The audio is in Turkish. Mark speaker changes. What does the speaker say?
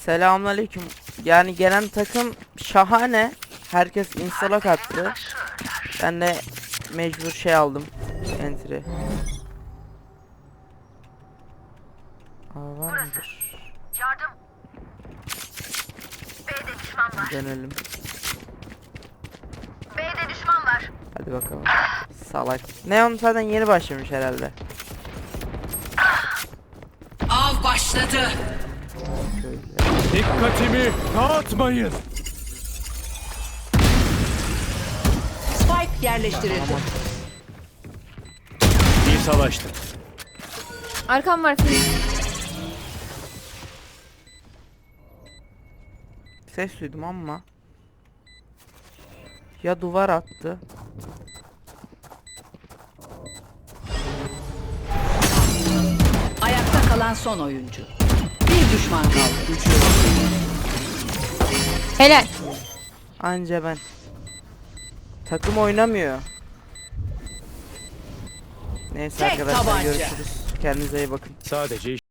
Speaker 1: Selamünaleyküm. Yani gelen takım şahane. Herkes instalok attı. Ben de mecbur şey aldım. Entry. Aa, var mıdır?
Speaker 2: Yardım. B'de düşman var.
Speaker 1: Dönelim.
Speaker 2: B'de düşman var.
Speaker 1: Hadi bakalım. Salak. Neon zaten yeni başlamış herhalde.
Speaker 3: Av başladı.
Speaker 1: Şöyle.
Speaker 4: Dikkatimi dağıtmayın.
Speaker 3: Spike yerleştirildi.
Speaker 4: İyi savaştın.
Speaker 5: Arkam var.
Speaker 1: Ses duydum ama. Ya duvar attı.
Speaker 3: Ayakta kalan son oyuncu. Bir düşman kaldı.
Speaker 5: Helal.
Speaker 1: Anca ben. Takım oynamıyor. Neyse
Speaker 3: Tek
Speaker 1: arkadaşlar,
Speaker 3: tabanca.
Speaker 1: görüşürüz. Kendinize iyi bakın.
Speaker 4: Sadece